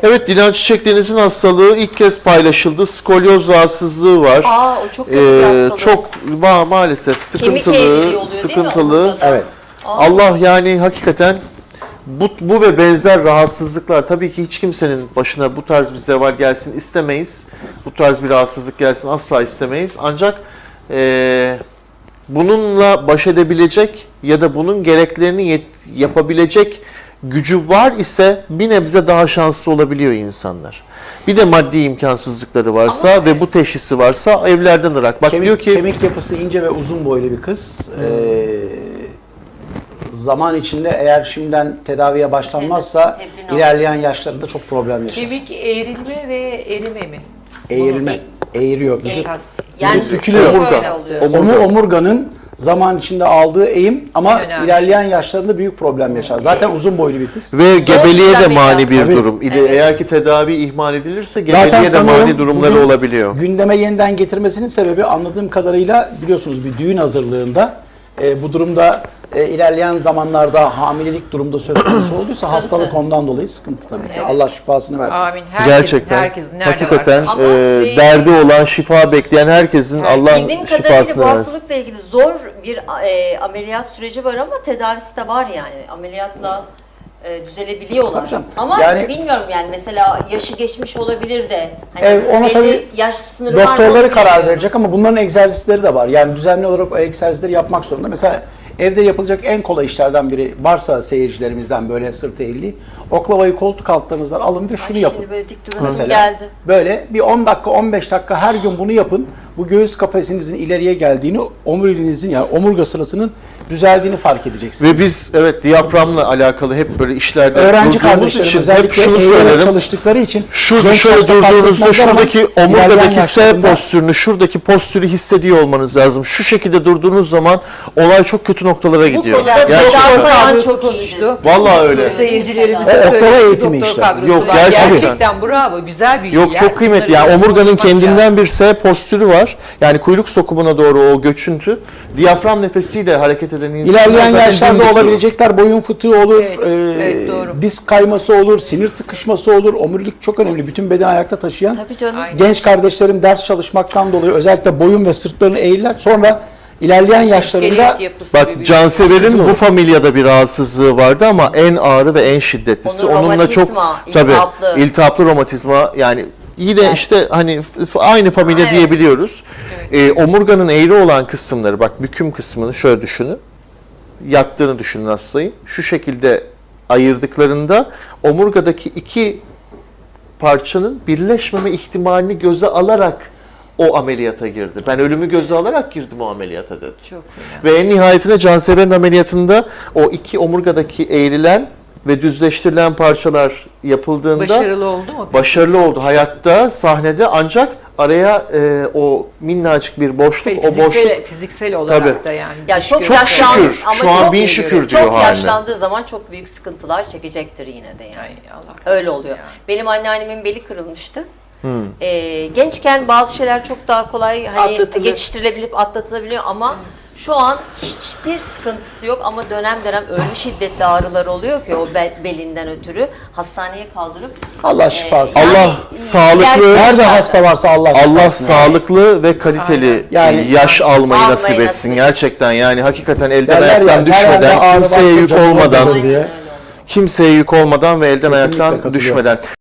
Evet, Dilan Çiçek Deniz'in hastalığı ilk kez paylaşıldı. Skolyoz rahatsızlığı var. O çok kötü bir hastalık. Çok maalesef sıkıntılı, oluyor, sıkıntılı. Evet. Allah yani hakikaten bu ve benzer rahatsızlıklar, tabii ki hiç kimsenin başına bu tarz bir zeval gelsin istemeyiz. Bu tarz bir rahatsızlık gelsin asla istemeyiz. Ancak bununla baş edebilecek ya da bunun gereklerini yapabilecek gücü var ise bir nebze daha şanslı olabiliyor insanlar. Bir de maddi imkansızlıkları varsa ve bu teşhisi varsa evlerden ırak. Bak diyor ki kemik yapısı ince ve uzun boylu bir kız. Zaman içinde eğer şimdiden tedaviye başlanmazsa ilerleyen yaşlarında çok problem yaşar. Kemik eğrilme ve erime mi? Eğrilme, eğiriyor. Esas. Yani bükülüyor. şöyle oluyor. Omurganın zaman içinde aldığı eğim ama Önemli. ilerleyen yaşlarında büyük problem yaşar. Zaten uzun boylu bir kız. ve gebeliğe de mani bir Tabii. durum. Eğer ki tedavi ihmal edilirse Zaten gebeliğe de sanıyorum mani durumları bugün olabiliyor. gündeme yeniden getirmesinin sebebi anladığım kadarıyla biliyorsunuz bir düğün hazırlığında bu durumda ilerleyen zamanlarda hamilelik durumda söz konusu olduysa hastalık ondan dolayı sıkıntı tabii ki. Allah şifasını versin. Amin. Gerçekten herkesin nerede hakikaten varsa. Ama derdi olan, şifa bekleyen herkesin Allah Bildiğim kadarıyla şifasını bu versin. hastalıkla ilgili zor bir ameliyat süreci var ama tedavisi de var yani. Ameliyatla düzelebiliyorlar. Tabii canım. Ama Yani- bilmiyorum yani mesela yaşı geçmiş olabilir de. Hani Ona belli tabii yaş sınırı var mı doktorları onu karar bilmiyorum. verecek ama bunların egzersizleri de var. Yani düzenli olarak o egzersizleri yapmak zorunda. Mesela evde yapılacak en kolay işlerden biri varsa seyircilerimizden böyle sırt eğriliği, oklavayı koltuk altlarınızdan alın ve şunu yapın. Şimdi böyle dik durasım Mesela geldi. böyle bir 10 dakika 15 dakika her gün bunu yapın. Bu göğüs kafesinizin ileriye geldiğini, omurilinizin yani omurga sırasının düzeldiğini fark edeceksiniz. Ve biz evet diyaframla alakalı hep böyle işlerde öğrenci durduğumuz kardeşlerim için hep özellikle şunu eğilerek söylerim. çalıştıkları için Şurada genç şöyle yaşta fark durduğunuzda etmezler ama şuradaki ilerleyen omurgadaki S yaşlarında- postürünü, şuradaki postürü hissediyor olmanız lazım. Şu şekilde durduğunuz zaman olay çok kötü noktalara gidiyor. konuda Gerçekten. Sedat Sayan Kadrosu çok konuştu. iyidir. Vallahi öyle. Seyircilerimize O söyledi. oktava Bir eğitimi doktor işte. kadrosu Yok, var. gerçekten. Bravo. Güzel bir Yok, çok kıymetli. Yani omurganın kendinden bir S postürü var. Yani kuyruk sokumuna doğru o göçüntü. Diyafram nefesiyle hareket eden insanlar İlerleyen zaten yaşlarda dimdik durur. olabilecekler boyun fıtığı olur, evet, doğru. disk kayması olur, sinir sıkışması olur. Omurilik çok önemli. Bütün bedeni ayakta taşıyan. Tabii canım. Aynen. Genç kardeşlerim ders çalışmaktan dolayı özellikle boyun ve sırtlarını eğirler. Sonra ilerleyen yaşlarında Bak, Cansever'in bu familyada bir rahatsızlığı vardı ama en ağrı ve en şiddetlisi. Onun Onunla çok romatizma, tabii iltihaplı. iltihaplı romatizma, yani yine Yani- işte hani aynı familya Evet. diyebiliyoruz. Omurganın eğri olan kısımları, bak büküm kısmını şöyle düşünün. Yattığını düşünün hastayın. Şu şekilde ayırdıklarında omurgadaki iki parçanın birleşmeme ihtimalini göze alarak o ameliyata girdi. Ben ölümü göze alarak girdim o ameliyata dedi. Çok fena. Ve en nihayetinde Cansever'in ameliyatında o iki omurgadaki eğrilen ve düzleştirilen parçalar yapıldığında Başarılı oldu mu? başarılı oldu hayatta, sahnede, ancak araya o minnacık bir boşluk, o boşluk Fiziksel olarak Tabii. da yani. Ya çok çok yaşlandı şükür, ama şu an çok bin şükür diyor çok haline. yaşlandığı zaman çok büyük sıkıntılar çekecektir yine de yani. Ay, Allah Öyle oluyor. ya. Benim anneannemin beli kırılmıştı. Gençken bazı şeyler çok daha kolay hani Atlatılır. geçiştirilebilip atlatılabiliyor ama şu an hiçbir sıkıntısı yok ama dönem dönem öyle şiddetli ağrılar oluyor ki o belinden ötürü hastaneye kaldırıp Allah şifası. yani Allah sağlıklı- Nerede hasta varsa Allah Allah şifasını versin. sağlıklı ve kaliteli Yani- yaş almayı Almayı nasip etsin. nasip Gerçekten yani hakikaten elden Derler ya, ayaktan nerede düşmeden, ağrı kimseye varsa yük canı olmadan, oradadır diye. kimseye yük olmadan ve elden Kesinlikle ayaktan katılıyorum. düşmeden.